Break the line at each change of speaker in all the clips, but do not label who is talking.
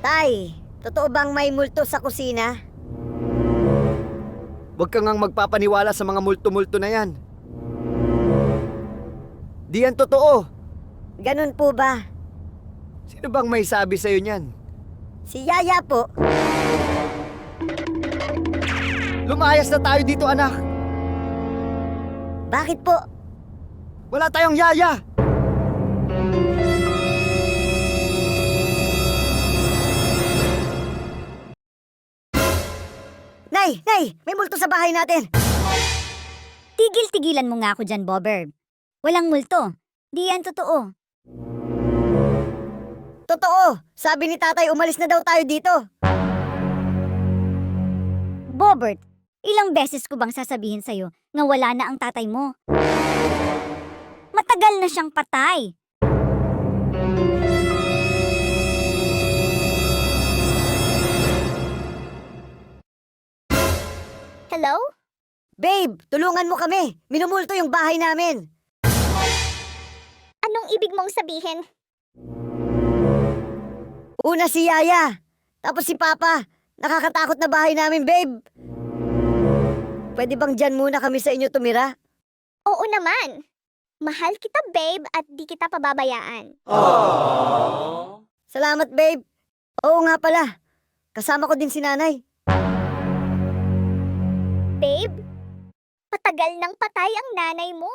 Tay, totoo bang may multo sa kusina?
Huwag ka ngang magpapaniwala sa mga multo-multo na yan. Di yan totoo.
Ganun po ba?
Sino bang may sabi sa'yo niyan?
Si Yaya po.
Lumayas na tayo dito, anak.
Bakit po?
Wala tayong yaya.
Nay! May multo sa bahay natin!
Tigil-tigilan mo nga ako dyan, Bobber. Walang multo. Di yan totoo.
Totoo! Sabi ni tatay umalis na daw tayo dito.
Bobbert, ilang beses ko bang sasabihin sa'yo na wala na ang tatay mo? Matagal na siyang patay. Hello?
Babe, tulungan mo kami! Minumulto yung bahay namin!
Anong ibig mong sabihin?
Una si Yaya, tapos si Papa. Nakakatakot na bahay namin, babe! Pwede bang dyan muna kami sa inyo tumira?
Oo naman. Mahal kita, babe, at di kita pababayaan.
Salamat, babe! Oo nga pala, kasama ko din si nanay.
Babe, matagal nang patay ang nanay mo.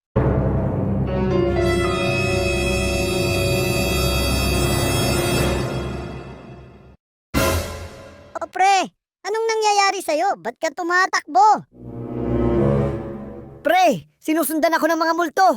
O pre, anong nangyayari sa'yo? Ba't ka tumatakbo? Pre, sinusundan ako ng mga multo.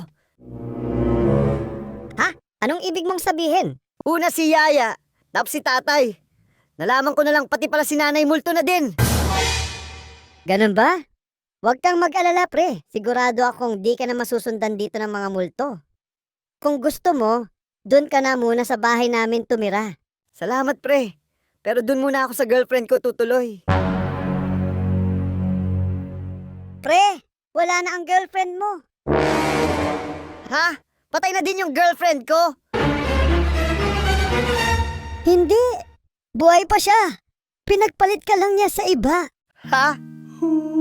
Ha? Anong ibig mong sabihin? Una si Yaya, tapos si tatay. Nalaman ko na lang pati pala si nanay multo na din. Ganun ba? Huwag kang mag-alala pre. Sigurado akong di ka na masusundan dito ng mga multo. Kung gusto mo, dun ka na muna sa bahay namin tumira. Salamat pre. Pero dun muna ako sa girlfriend ko tutuloy. Pre, wala na ang girlfriend mo. Ha? Patay na din yung girlfriend ko? Hindi. Buhay pa siya. Pinagpalit ka lang niya sa iba. Ha?